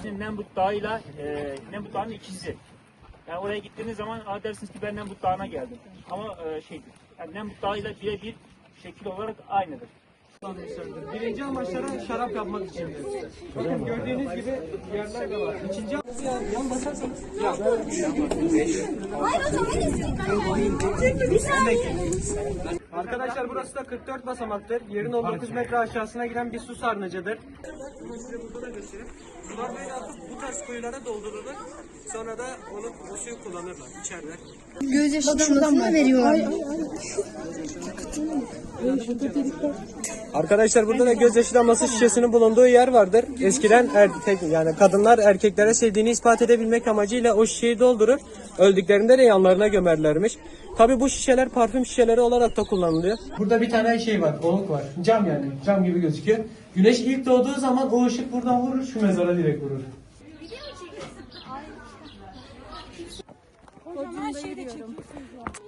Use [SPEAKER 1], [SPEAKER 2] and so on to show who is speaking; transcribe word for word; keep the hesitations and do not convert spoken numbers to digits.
[SPEAKER 1] ismi Nemrut Dağı'yla e, Nemrut Dağı'nın ikisi. Yani oraya gittiğiniz zaman aa, dersiniz ki ben Nemrut Dağı'na geldim. Ama e, şeydir, yani Nemrut Dağı'yla birebir şekil olarak aynıdır.
[SPEAKER 2] Birinci amaçları şarap yapmak için. Bakın gördüğünüz gibi yerler de var. İkinci yan basarsanız.
[SPEAKER 3] Hayır hocam hadi. Bir saniye.
[SPEAKER 2] Arkadaşlar burası da kırk dört basamaktır. Yerin on dokuz metre aşağısına giden bir su sarnıcıdır. Size burada da göstereyim. Sular böyle atıp bu tarz kuyulara doldurulur. Sonra da onu o suyu kullanırlar, içerler.
[SPEAKER 3] Gözyaşı damlasını veriyorlar.
[SPEAKER 2] Arkadaşlar burada da gözyaşı damlası şişesinin bulunduğu yer vardır. Eskiden erkek yani kadınlar erkeklere sevdiğini ispat edebilmek amacıyla o şişeyi doldurur. Öldüklerinde de yanlarına gömerlermiş. Tabi bu şişeler parfüm şişeleri olarak da kullanılıyor. Burada bir tane şey var, oluk var. Cam yani, cam gibi gözüküyor. Güneş ilk doğduğu zaman o ışık buradan vurur, şu mezara direkt vurur.
[SPEAKER 3] Hocam her şeyde çekiyorsunuz.